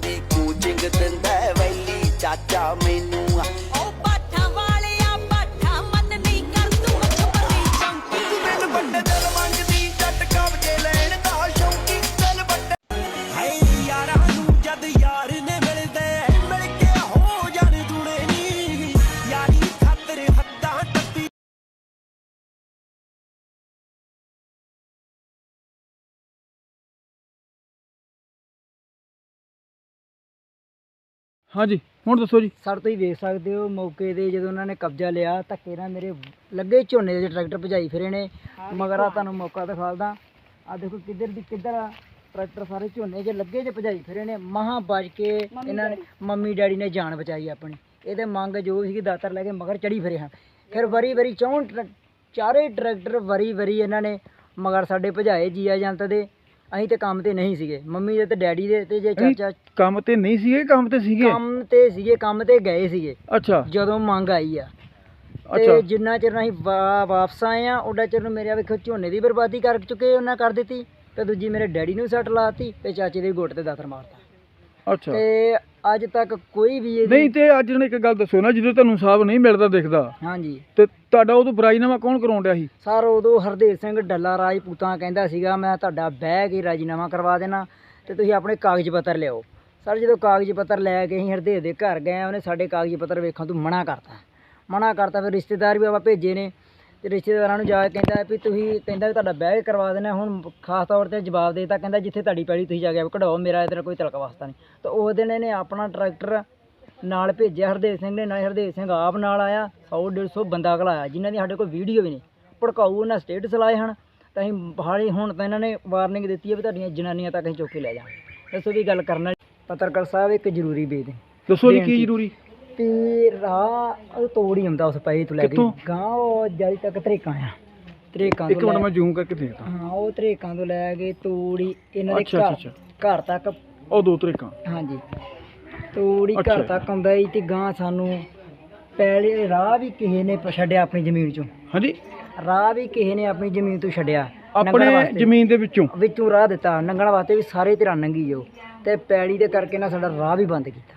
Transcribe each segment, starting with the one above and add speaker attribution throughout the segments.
Speaker 1: ਦੀ coaching ਦਿੰਦਾ ਵੈਲੀ ਚਾਚਾ ਮੈਨੂੰ ਉਹ ਪਾਠਾਂ ਵਾਲਿਆ ਪਾਠਾਂ ਮਨ ਨਹੀਂ ਕਰ ਤੂੰ ਖਬਰੀ ਚੌਂਕੀ ਤੂੰ ਮੈਨੂੰ ਵੱਡੇ ਦਿਲ ਮੰਗਦੀ ਜੱਟ ਕਬਜੇ ਲੈਣ ਦਾ ਸ਼ੌਂਕੀ ਦਿਲ ਵੱਡੇ ਹਾਏ ਯਾਰਾਂ ਨੂੰ ਜਦ ਯਾਰ ਨੇ ਮਿਲਦੇ ਮਿਲ ਕੇ ਹੋ ਜਾਣ ਦੂਣੇ ਨੀ ਯਾਰੀ ਖਾਤਰ ਹੱਦਾਂ ਟੱਪੀ
Speaker 2: हाँ जी ਹੁਣ ਦੱਸੋ ਜੀ।
Speaker 3: ਸਰ ਤੁਸੀਂ ਵੇਖ ਸਕਦੇ ਹੋ ਮੌਕੇ ਤੇ ਜਦੋਂ ਉਹਨਾਂ ਨੇ ਕਬਜ਼ਾ ਲਿਆ ਧੱਕੇ ਨਾਲ ਮੇਰੇ ਲੱਗੇ ਝੋਨੇ ਦੇ ਟਰੈਕਟਰ ਭਜਾਈ ਫਿਰੇ ਨੇ ਮਗਰ ਆ ਤੁਹਾਨੂੰ ਮੌਕਾ ਦਿਖਾਲਦਾ ਆ ਦੇਖੋ ਕਿੱਧਰ ਦੀ ਕਿੱਧਰ ਆ ਟਰੈਕਟਰ ਸਾਰੇ ਝੋਨੇ 'ਚ ਲੱਗੇ 'ਚ ਭਜਾਈ ਫਿਰੇ ਨੇ ਮਹਾਂ ਬਚ ਕੇ ਇਹਨਾਂ ਨੇ ਮੰਮੀ ਡੈਡੀ ਨੇ ਜਾਨ ਬਚਾਈ ਆਪਣੀ ਇਹਦੇ ਮੰਗ ਜੋ ਸੀਗੀ ਦਾਤਰ ਲੈ ਕੇ ਮਗਰ ਚੜੀ ਫਿਰੇ ਹਾਂ ਫਿਰ ਵਾਰੀ ਵਾਰੀ ਚਾਰੇ ਟਰੈਕਟਰ ਵਾਰੀ ਵਾਰੀ ਇਹਨਾਂ ਨੇ ਮਗਰ ਸਾਡੇ ਭਜਾਏ ਜੀਆ ਜੰਤ ਦੇ ਅਸੀਂ ਤੇ ਕੰਮ ਤੇ ਨਹੀਂ ਸੀਗੇ ਮੰਮੀ ਦੇ ਤੇ ਡੈਡੀ ਦੇ ਤੇ ਜੇ ਚਾਚਾ
Speaker 2: ਕੰਮ ਤੇ ਨਹੀਂ ਸੀਗੇ ਕੰਮ ਤੇ ਸੀਗੇ
Speaker 3: ਕੰਮ ਤੇ ਗਏ ਸੀਗੇ
Speaker 2: ਅੱਛਾ
Speaker 3: ਜਦੋਂ ਮੰਗ ਆਈ ਆ
Speaker 2: ਅੱਛਾ
Speaker 3: ਤੇ ਜਿੰਨਾ ਚਿਰ ਅਸੀਂ ਵਾਪਸ ਆਏ ਆ ਉਹਦਾ ਚਿਰ ਨੂੰ ਮੇਰੇ ਵੇਖੋ ਝੋਨੇ ਦੀ ਬਰਬਾਦੀ ਕਰ ਚੁੱਕੇ ਉਹਨਾਂ ਕਰ ਦਿੱਤੀ ਤੇ ਦੂਜੀ ਮੇਰੇ ਡੈਡੀ ਨੂੰ ਸੱਟ ਲਾਤੀ ਤੇ ਚਾਚੇ ਦੇ ਗੁੱਟ ਤੇ ਦਾਤਰ ਮਾਰਤਾ
Speaker 2: ਅੱਛਾ
Speaker 3: ਤੇ ਅੱਜ ਤੱਕ ਕੋਈ ਵੀ
Speaker 2: ਨਹੀਂ ਤੇ ਅੱਜ ਨੇ ਇੱਕ ਗੱਲ ਦੱਸੋ ਨਾ ਜਦੋਂ ਤੁਹਾਨੂੰ ਹਿਸਾਬ ਨਹੀਂ ਮਿਲਦਾ ਦਿਖਦਾ
Speaker 3: ਹਾਂਜੀ
Speaker 2: ਤੇ ਤੁਹਾਡਾ ਉਦੋਂ ਬਰਾਈਨਾਮਾ ਕੌਣ ਕਰਾਉਣ ਡਿਆ ਸੀ?
Speaker 3: ਸਰ ਉਦੋਂ ਹਰਦੇਵ ਸਿੰਘ ਡੱਲਾ ਰਾਜਪੂਤਾਂ ਕਹਿੰਦਾ ਸੀਗਾ ਮੈਂ ਤੁਹਾਡਾ ਬਹਿ ਕੇ ਰਾਜੀਨਾਮਾ ਕਰਵਾ ਦੇਣਾ ਤੇ ਤੁਸੀਂ ਆਪਣੇ ਕਾਗਜ਼ ਪੱਤਰ ਲਿਆਓ ਸਰ ਜਦੋਂ ਕਾਗਜ਼ ਪੱਤਰ ਲੈ ਕੇ ਅਸੀਂ ਹਰਦੇਵ ਦੇ ਘਰ ਗਏ ਉਹਨੇ ਸਾਡੇ ਕਾਗਜ਼ ਪੱਤਰ ਵੇਖਣ ਤੋਂ ਮਨਾ ਕਰਤਾ ਫਿਰ ਰਿਸ਼ਤੇਦਾਰ ਵੀ ਆਪਾਂ ਭੇਜੇ ਨੇ ਤੇ ਰਿਸ਼ਤੇਦਾਰਾਂ ਨੂੰ ਜਾ ਕੇ ਕਹਿੰਦਾ ਵੀ ਤੁਸੀਂ ਕਹਿੰਦਾ ਵੀ ਤੁਹਾਡਾ ਬਹਿ ਕੇ ਕਰਵਾ ਦੇਣਾ ਹੁਣ ਖਾਸ ਤੌਰ ਤੇ ਜਵਾਬ ਦੇਤਾ ਕਹਿੰਦਾ ਜਿੱਥੇ ਤੁਹਾਡੀ ਪੈਲੀ ਤੁਸੀਂ ਜਾ ਕੇ ਕਢਾਓ ਮੇਰਾ ਇੱਧਰ ਕੋਈ ਤਲਕ ਵਾਸਤਾ ਨਹੀਂ ਤਾਂ ਉਸ ਦਿਨ ਇਹਨੇ ਆਪਣਾ ਟਰੈਕਟਰ ਨਾਲ ਭੇਜਿਆ ਹਰਦੇਵ ਸਿੰਘ ਨੇ ਨਾਲੇ ਹਰਦੇਵ ਸਿੰਘ ਆਪ ਨਾਲ ਆਇਆ 100-150 ਬੰਦਾ ਘਲਾਇਆ ਜਿਨ੍ਹਾਂ ਦੀ ਸਾਡੇ ਕੋਲ ਵੀਡੀਓ ਵੀ ਨਹੀਂ ਭੜਕਾਊ ਉਹਨਾਂ ਸਟੇਟਸ ਲਾਏ ਹਨ ਤਾਂ ਅਸੀਂ ਹਾਲੇ ਹੁਣ ਤਾਂ ਇਹਨਾਂ ਨੇ ਵਾਰਨਿੰਗ ਦਿੱਤੀ ਹੈ ਵੀ ਤੁਹਾਡੀਆਂ ਜਨਾਨੀਆਂ ਤੱਕ ਅਸੀਂ ਚੁੱਕ ਕੇ ਲੈ ਜਾਵਾਂਗੇ ਦੱਸੋ ਵੀ ਗੱਲ ਕਰਨਾ ਪੱਤਰਕਾਰ ਸਾਹਿਬ ਇੱਕ ਜ਼ਰੂਰੀ ਬੇਨਤੀ
Speaker 2: ਦੱਸੋ ਜੀ ਕੀ ਜ਼ਰੂਰੀ
Speaker 3: ਤੇ ਰਾਹ ਉਹ ਤੋੜ ਹੀ ਹੁੰਦਾ ਉਸ ਪਈ ਤੋਂ ਲੈ ਕੇ ਗਾਂ ਉਹ ਜਾਈ ਤੱਕ ਤਰੇਕਾਂ ਆ ਤਰੇਕਾਂ
Speaker 2: ਇੱਕ ਮਿੰਟ ਮੈਂ ਜ਼ੂਮ ਕਰਕੇ ਦੇਖਦਾ
Speaker 3: ਹਾਂ ਉਹ ਤਰੇਕਾਂ ਤੋਂ ਲੈ ਕੇ ਤੋੜੀ ਇਹਨਾਂ ਦੇ ਘਰ ਤੱਕ
Speaker 2: ਉਹ ਦੋ ਤਰੀਕਾਂ
Speaker 3: ਹਾਂਜੀ ਤੋੜੀ ਘਰ ਤੱਕ ਆਉਂਦਾ ਸੀ ਤੇ ਗਾਂ ਸਾਨੂੰ ਪਹਿਲੇ ਰਾਹ ਵੀ ਕਿਸੇ ਨੇ ਛੱਡਿਆ ਆਪਣੀ ਜ਼ਮੀਨ ਚੋਂ
Speaker 2: ਹਾਂਜੀ
Speaker 3: ਰਾਹ ਵੀ ਕਿਸੇ ਨੇ ਆਪਣੀ ਜ਼ਮੀਨ ਤੋਂ ਛੱਡਿਆ
Speaker 2: ਆਪਣੇ ਜ਼ਮੀਨ ਦੇ ਵਿੱਚੋਂ
Speaker 3: ਰਾਹ ਦਿੱਤਾ ਲੰਘਣ ਵਾਸਤੇ ਵੀ ਸਾਰੇ ਧਿਰਾਂ ਲੰਘੀ ਜਾਓ ਤੇ ਪੈਲੀ ਦੇ ਕਰਕੇ ਨਾ ਸਾਡਾ ਰਾਹ ਵੀ ਬੰਦ ਕੀਤਾ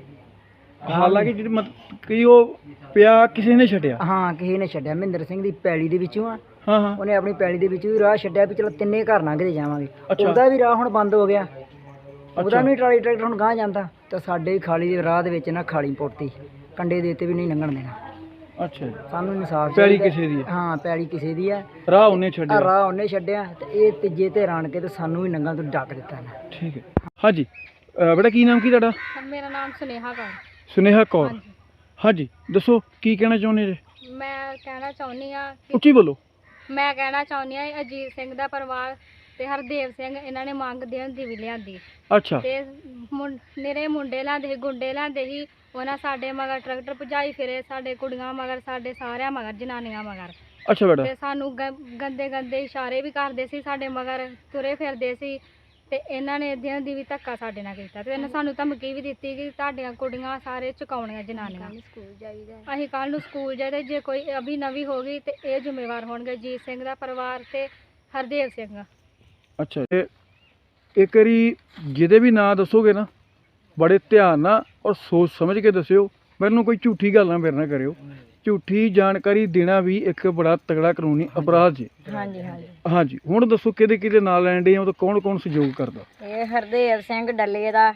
Speaker 2: ਹਾਲਾਂਕਿ ਜਿਹੜੀ ਮਤਲਬ ਕਿ ਉਹ ਪਿਆ ਕਿਸੇ ਨੇ ਛੱਡਿਆ
Speaker 3: ਹਾਂ ਕਿਸੇ ਨੇ ਛੱਡਿਆ ਮਹਿੰਦਰ ਸਿੰਘ ਦੀ ਪੈਲੀ ਦੇ ਵਿੱਚੋਂ ਆ
Speaker 2: ਹਾਂ
Speaker 3: ਉਹਨੇ ਆਪਣੀ ਪੈਲੀ ਦੇ ਵਿੱਚੋਂ ਵੀ ਰਾਹ ਛੱਡਿਆ ਵੀ ਚਲੋ ਤਿੰਨੇ ਘਰ ਲੰਘਦੇ ਜਾਵਾਂਗੇ ਉਹਦਾ ਵੀ ਰਾਹ ਹੁਣ ਬੰਦ ਹੋ ਗਿਆ ਉਹਦਾ ਵੀ ਟਰਾਲੀ ਟਰੈਕਟਰ ਹੁਣ ਗਾਂਹ ਜਾਂਦਾ ਤਾਂ ਸਾਡੇ ਖਾਲੀ ਦੇ ਰਾਹ ਦੇ ਵਿੱਚ ਨਾ ਖਾਲੀ ਪੁੱਟਤੀ ਕੰਡੇ ਦੇ ਉੱਤੇ ਵੀ ਨਹੀਂ ਲੰਘਣ ਦੇਣਾ
Speaker 2: ਅੱਛਾ
Speaker 3: ਸਾਨੂੰ ਇਨਸਾਫ
Speaker 2: ਪੈਲੀ ਕਿਸੇ ਦੀ ਹੈ
Speaker 3: ਹਾਂ ਪੈਲੀ ਕਿਸੇ ਦੀ ਹੈ
Speaker 2: ਰਾਹ ਉਹਨੇ ਛੱਡਿਆ
Speaker 3: ਰਾਹ ਉਹਨੇ ਛੱਡਿਆ ਤੇ ਇਹ ਤੀਜੇ ਤੇ ਰਾਣ ਕੇ ਤੇ ਸਾਨੂੰ ਵੀ ਨੰਗਾਂ ਤੋਂ ਡੱਕ ਦਿੱਤਾ ਨਾ
Speaker 2: ਠੀਕ ਹੈ ਹਾਂਜੀ ਬੇਟਾ ਕੀ ਨਾਮ ਕੀ ਤੁਹਾਡਾ
Speaker 4: ਮੇਰਾ ਨਾਮ
Speaker 2: ਸੁਨੇਹਾ ਕੌਰ ਹਾਂਜੀ ਦੱਸੋ ਕੀ ਕਹਿਣਾ ਚਾਹੁੰਦੇ ਜੀ
Speaker 4: ਮੈਂ ਕਹਿਣਾ ਚਾਹੁੰਦੀ ਆ
Speaker 2: ਉੱਚੀ ਬੋਲੋ
Speaker 4: ਮੈਂ ਕਹਿਣਾ ਚਾਹੁੰਦੀ ਆ ਅਜੀਤ ਸਿੰਘ ਦਾ ਪਰਿਵਾਰ ਤੇ ਹਰਦੇਵ ਸਿੰਘ ਇਹਨਾਂ ਨੇ ਮੰਗ ਦੇਣ ਦੀ ਵੀ ਲਿਆਂਦੀ
Speaker 2: ਅੱਛਾ
Speaker 4: ਤੇ ਨਿਰੇ ਮੁੰਡੇ ਲਿਆਂਦੇ ਗੁੰਡੇ ਲਿਆਂਦੇ ਸੀ ਉਹਨਾਂ ਸਾਡੇ ਮਗਰ ਟਰੈਕਟਰ ਭਜਾਈ ਫਿਰੇ ਸਾਡੇ ਕੁੜੀਆਂ ਮਗਰ ਸਾਡੇ ਸਾਰਿਆਂ ਮਗਰ ਜਨਾਨੀਆਂ ਮਗਰ
Speaker 2: ਅੱਛਾ ਬੇਟਾ
Speaker 4: ਤੇ ਸਾਨੂੰ ਗੰਦੇ ਗੰਦੇ ਇਸ਼ਾਰੇ ਵੀ ਕਰਦੇ ਸੀ ਸਾਡੇ ਮਗਰ ਤੁਰੇ ਫਿਰਦੇ ਸੀ ਤੇ ਇਹਨਾਂ ਨੇ ਦਿਨ ਦੀ ਵੀ ਧੱਕਾ ਸਾਡੇ ਨਾਲ ਕੀਤਾ ਤੇ ਇਹਨਾਂ ਸਾਨੂੰ ਧਮਕੀ ਵੀ ਦਿੱਤੀ ਕਿ ਤੁਹਾਡੀਆਂ ਕੁੜੀਆਂ ਸਾਰੇ ਚੁਕਾਉਣੀਆਂ ਜਨਾਨੀਆਂ ਅਸੀਂ ਕੱਲ ਨੂੰ ਸਕੂਲ ਜਾਈਦਾ ਜੇ ਕੋਈ ਅਭੀ ਨਵੀਂ ਹੋ ਗਈ ਤੇ ਇਹ ਜ਼ਿੰਮੇਵਾਰ ਹੋਣਗੇ ਜੀਤ ਸਿੰਘ ਦਾ ਪਰਿਵਾਰ ਤੇ ਹਰਦੇਵ ਸਿੰਘ
Speaker 2: ਅੱਛਾ ਤੇ ਇੱਕ ਵਾਰੀ ਜਿਹਦੇ ਵੀ ਨਾਂ ਦੱਸੋਗੇ ਨਾ ਬੜੇ ਧਿਆਨ ਨਾਲ ਔਰ ਸੋਚ ਸਮਝ ਕੇ ਦੱਸਿਓ ਮੈਨੂੰ ਕੋਈ ਝੂਠੀ ਗੱਲ ਨਾ ਮੇਰੇ ਨਾਲ ਕਰਿਓ ਝੂਠੀ ਜਾਣਕਾਰੀ ਦੇਣਾ ਵੀ ਇੱਕ ਬੜਾ ਤਗੜਾ ਕਾਨੂੰਨੀ ਅਪਰਾਧ ਜੀ ਹਾਂਜੀ ਹੁਣ ਦੱਸੋ ਕਿਹਦੇ ਨਾਲ ਲੈਣ ਡੇ ਆ ਉਹ ਕੌਣ ਸਹਿਯੋਗ ਕਰਦਾ
Speaker 5: ਇਹ ਹਰਦੇਵ ਸਿੰਘ ਡੱਲੇ ਦਾ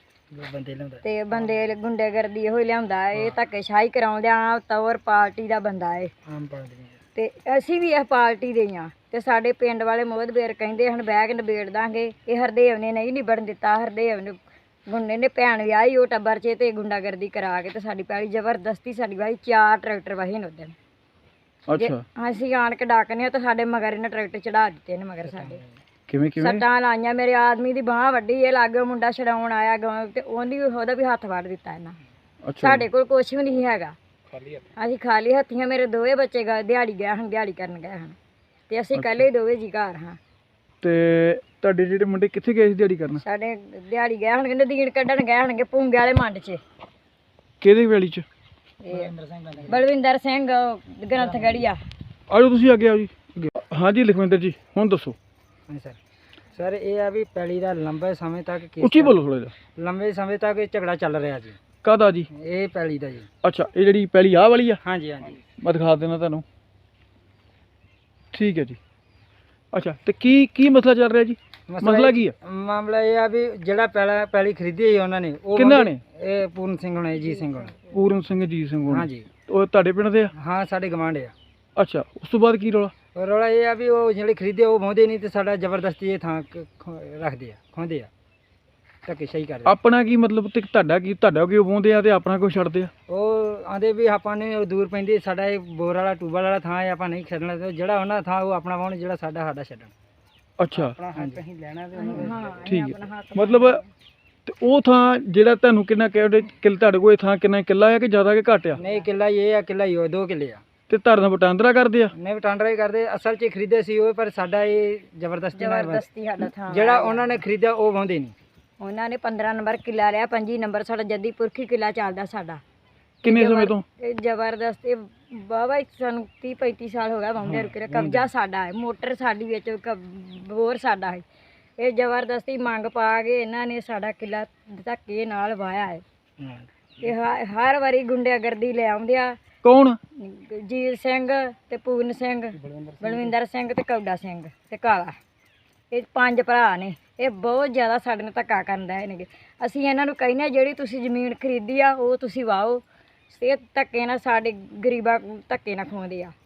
Speaker 5: ਤੇ ਬੰਦੇ ਗੁੰਡੇਗਰਦੀ ਇਹੋ ਹੀ ਲਿਆਉਂਦਾ ਇਹ ਧੱਕੇਸ਼ਾਹੀ ਕਰਾਉਂਦਿਆਂ ਤੌਰ ਪਾਰਟੀ ਦਾ ਬੰਦਾ ਹੈ ਤੇ ਅਸੀਂ ਵੀ ਇਹ ਪਾਰਟੀ ਦੇ ਹਾਂ ਤੇ ਸਾਡੇ ਪਿੰਡ ਵਾਲੇ ਮੋਹਦਬੇਰ ਕਹਿੰਦੇ ਹਨ ਬਹਿ ਕੇ ਨਿਬੇੜ ਦਾਂਗੇ ਇਹ ਹਰਦੇਵ ਨੇ ਨਹੀਂ ਨਿਬੜਨ ਦਿੱਤਾ ਹਰਦੇਵ ਨੇ ਗੁੰਡੇ ਨੇ ਭੈਣ ਵਿਆਹੀ ਉਹ ਟੱਬਰ 'ਚ ਤੇ ਗੁੰਡਾਗਰਦੀ ਕਰਾ ਕੇ ਤੇ ਸਾਡੀ ਪੈਲੀ ਜ਼ਬਰਦਸਤੀ ਸਾਡੀ ਵਾਹੀ 4 ਟਰੈਕਟਰ ਵਾਹੀ ਨੇ ਉਦੋਂ
Speaker 2: ਅੱਛਾ
Speaker 5: ਅਸੀਂ ਆਣ ਕੇ ਡਾਕਨੇ ਤੇ ਸਾਡੇ ਮਗਰ ਇਹਨੇ ਟਰੈਕਟਰ ਚੜਾ ਦਿੱਤੇ ਨੇ ਮਗਰ ਸਾਡੇ
Speaker 2: ਕਿਵੇਂ
Speaker 5: ਸੱਟਾਂ ਲਾਈਆਂ ਮੇਰੇ ਆਦਮੀ ਦੀ ਬਾਂਹ ਵੱਡੀ ਇਹ ਲਾਗੇ ਮੁੰਡਾ ਛਡਾਉਣ ਆਇਆ ਤੇ ਉਹਦਾ ਵੀ ਹੱਥ ਵੜ ਦਿੱਤਾ ਇਹਨਾਂ ਸਾਡੇ ਕੋਲ ਕੁਛ ਵੀ ਨਹੀਂ ਹੈਗਾ ਅਸੀਂ ਖਾਲੀ ਹੱਥੀਆਂ ਮੇਰੇ ਦੋਵੇਂ ਬੱਚੇ ਦਿਹਾੜੀ ਗਏ ਹਨ ਦਿਹਾੜੀ ਕਰਨ ਗਏ ਹਨ ਤੇ ਅਸੀਂ ਇਕੱਲੇ ਦੋਵੇਂ ਜੀ ਘਰ ਹਾਂ
Speaker 2: ਤੇ ਤੁਹਾਡੇ ਜਿਹੜੇ ਮੁੰਡੇ ਕਿੱਥੇ ਗਏ ਸੀ ਦਿਹਾੜੀ ਕਰਨ
Speaker 5: ਸਾਡੇ ਦਿਹਾੜੀ ਗਏ ਹਨ ਕਹਿੰਦੇ ਦੀਨ ਕੱਢਣ ਗਏ ਹਨਗੇ ਭੂੰਗੇ ਵਾਲੇ ਮੰਡ 'ਚ
Speaker 2: ਕਿਹਦੀ ਵੇਲੀ 'ਚ
Speaker 5: ਬਲਵਿੰਦਰ ਸਿੰਘ ਗ੍ਰੰਥਗੜੀਆ
Speaker 2: ਆਜੋ ਤੁਸੀਂ ਅੱਗੇ ਆਓ ਜੀ ਹਾਂਜੀ ਲਖਵਿੰਦਰ ਜੀ ਹੁਣ ਦੱਸੋ
Speaker 3: ਹਾਂ ਸਰ ਸਰ ਇਹ ਆ ਵੀ ਪੈਲੀ ਦਾ ਲੰਬੇ ਸਮੇਂ ਤੱਕ
Speaker 2: ਉੱਚੀ ਬੋਲੋ ਥੋੜਾ ਜਿਹਾ।
Speaker 3: ਲੰਬੇ ਸਮੇਂ ਤੱਕ ਇਹ ਝਗੜਾ ਚੱਲ ਰਿਹਾ ਜੀ।
Speaker 2: ਕਾਹਦਾ ਜੀ?
Speaker 3: ਇਹ ਪੈਲੀ ਦਾ ਜੀ।
Speaker 2: ਅੱਛਾ, ਇਹ ਜਿਹੜੀ ਪਹਿਲੀ ਆਹ ਵਾਲੀ ਆ?
Speaker 3: ਹਾਂਜੀ ਹਾਂਜੀ।
Speaker 2: ਮੈਂ ਦਿਖਾ ਦੇਣਾ ਤੁਹਾਨੂੰ। ਠੀਕ ਹੈ ਜੀ। ਅੱਛਾ, ਤੇ ਕੀ ਮਸਲਾ ਚੱਲ ਰਿਹਾ ਜੀ? ਮਸਲਾ ਕੀ ਆ?
Speaker 3: ਮਾਮਲਾ ਇਹ ਆ ਵੀ ਜਿਹੜਾ ਪੈਲੀ ਖਰੀਦੀ ਹੈ ਉਹਨਾਂ ਨੇ, ਉਹ
Speaker 2: ਕਿਹਨਾਂ ਨੇ?
Speaker 3: ਇਹ ਪੂਰਨ ਸਿੰਘ ਹੋਣੇ, ਜੀ ਸਿੰਘ ਹੋਣੇ।
Speaker 2: ਪੂਰਨ ਸਿੰਘ, ਜੀ ਸਿੰਘ ਹੋਣੀ।
Speaker 3: ਹਾਂਜੀ।
Speaker 2: ਉਹ ਤੁਹਾਡੇ ਪਿੰਡ ਦੇ ਆ?
Speaker 3: ਹਾਂ, ਸਾਡੇ ਗਵਾਂਢ ਆ।
Speaker 2: ਅੱਛਾ, ਉਸ ਤੋਂ ਬਾਅਦ ਕੀ ਰੌਲਾ?
Speaker 3: ਰੌਲਾ ਇਹ ਆ ਵੀ ਉਹ ਜਿਹੜੇ ਖਰੀਦੇ ਉਹ ਵਾਹੁੰਦੇ ਨਹੀਂ ਤੇ ਸਾਡਾ ਜ਼ਬਰਦਸਤੀ ਇਹ ਥਾਂ ਰੱਖਦੇ ਆ, ਖੋਹਦੇ ਆ, ਧੱਕੇਸ਼ਾਹੀ ਕਰਦੇ।
Speaker 2: ਆਪਣਾ ਕੀ ਮਤਲਬ ਤੇ ਤੁਹਾਡਾ ਕਿਉਂ ਪਾਉਂਦੇ ਆ ਤੇ ਆਪਣਾ ਕਿਉਂ ਛੱਡਦੇ ਆ?
Speaker 3: ਉਹ ਆਂਦੇ ਵੀ ਆਪਾਂ ਨੇ ਉਹ ਦੂਰ ਪੈਂਦੀ, ਸਾਡਾ ਇਹ ਬੋਰ ਵਾਲਾ ਟੂਬਲ ਵਾਲਾ ਥਾਂ ਹੈ, ਆਪਾਂ ਨਹੀਂ ਛੱਡਣਾ। ਤੇ ਜਿਹੜਾ ਉਹਨਾਂ ਥਾਂ ਉਹ ਆਪਣਾ ਵਾਹੁਣ, ਜਿਹੜਾ ਸਾਡਾ ਛੱਡਣ।
Speaker 2: ਅੱਛਾ,
Speaker 3: ਹਾਂਜੀ। ਅਸੀਂ ਲੈਣਾ ਤੇ ਉਹਨਾਂ
Speaker 2: ਠੀਕ ਹੈ। ਮਤਲਬ ਤੇ ਉਹ ਥਾਂ ਜਿਹੜਾ ਤੁਹਾਨੂੰ ਕਿੰਨਾ ਤੁਹਾਡੇ ਕੋਲ ਇਹ ਥਾਂ ਕਿੰਨਾ ਕਿੱਲਾ ਆ ਕਿ ਜ਼ਿਆਦਾ ਕਿ ਘੱਟ ਆ?
Speaker 3: ਨਹੀਂ, ਕਿੱਲਾ ਹੀ ਇਹ ਆ, ਕਿੱਲਾ ਹੀ ਉਹ 2 ਕਿੱਲੇ ਆ।
Speaker 2: ਤੇ ਧਰਨਾ ਵਟਾਂਦਰਾ ਕਰਦੇ ਆ?
Speaker 3: ਨਹੀਂ, ਵਟਾਂਦਰਾ ਹੀ ਕਰਦੇ। ਅਸਲ 'ਚ ਖਰੀਦੇ ਸੀ ਉਹ, ਪਰ ਸਾਡਾ ਇਹ ਜ਼ਬਰਦਸਤੀ
Speaker 5: ਸਾਡਾ ਥਾਂ
Speaker 3: ਜਿਹੜਾ ਉਹਨਾਂ ਨੇ ਖਰੀਦਿਆ ਉਹ ਵਾਹੁੰਦੇ ਨਹੀਂ।
Speaker 5: ਉਹਨਾਂ ਨੇ 15 ਨੰਬਰ ਕਿੱਲਾ ਲਿਆ, 25 ਨੰਬਰ ਸਾਡਾ ਜੱਦੀ ਪੁਰਖੀ ਕਿੱਲਾ ਚੱਲਦਾ ਸਾਡਾ।
Speaker 2: ਕਿੰਨੇ ਸਮੇਂ ਤੋਂ?
Speaker 5: ਇਹ ਜ਼ਬਰਦਸਤ ਬਾਬਾ ਸਾਨੂੰ 30-35 ਸਾਲ ਹੋ ਗਿਆ ਵਾਹੁੰਦੇ ਰੁਕੇ। ਕਬਜ਼ਾ ਸਾਡਾ ਹੈ, ਮੋਟਰ ਸਾਡੀ ਵਿੱਚ, ਬੋਰ ਸਾਡਾ ਹੈ। ਇਹ ਜ਼ਬਰਦਸਤੀ ਮੰਗ ਪਾ ਕੇ ਇਹਨਾਂ ਨੇ ਸਾਡਾ ਕਿੱਲਾ ਧੱਕੇ ਨਾਲ ਵਾਇਆ ਹੈ। ਤੇ ਹਰ ਵਾਰੀ ਗੁੰਡਾਗਰਦੀ ਲੈ ਆਉਂਦੇ ਆ।
Speaker 2: ਕੌਣ?
Speaker 5: ਜੀਤ ਸਿੰਘ ਤੇ ਪੂਰਨ ਸਿੰਘ, ਬਲਵਿੰਦਰ ਸਿੰਘ ਤੇ ਕੌਡਾ ਸਿੰਘ ਤੇ ਕਾਲਾ। ਇਹ 5 ਭਰਾ ਨੇ। ਇਹ ਬਹੁਤ ਜ਼ਿਆਦਾ ਸਾਡੇ ਨਾਲ ਧੱਕਾ ਕਰਦਾ ਹੈ। ਅਸੀਂ ਇਹਨਾਂ ਨੂੰ ਕਹਿੰਦੇ ਜਿਹੜੀ ਤੁਸੀਂ ਜ਼ਮੀਨ ਖਰੀਦੀ ਆ ਉਹ ਤੁਸੀਂ ਵਾਹੋ। ਇਹ ਧੱਕੇ ਨਾਲ ਸਾਡੇ ਗਰੀਬਾਂ ਧੱਕੇ ਨਾਲ ਖਵਾਉਂਦੇ ਆ।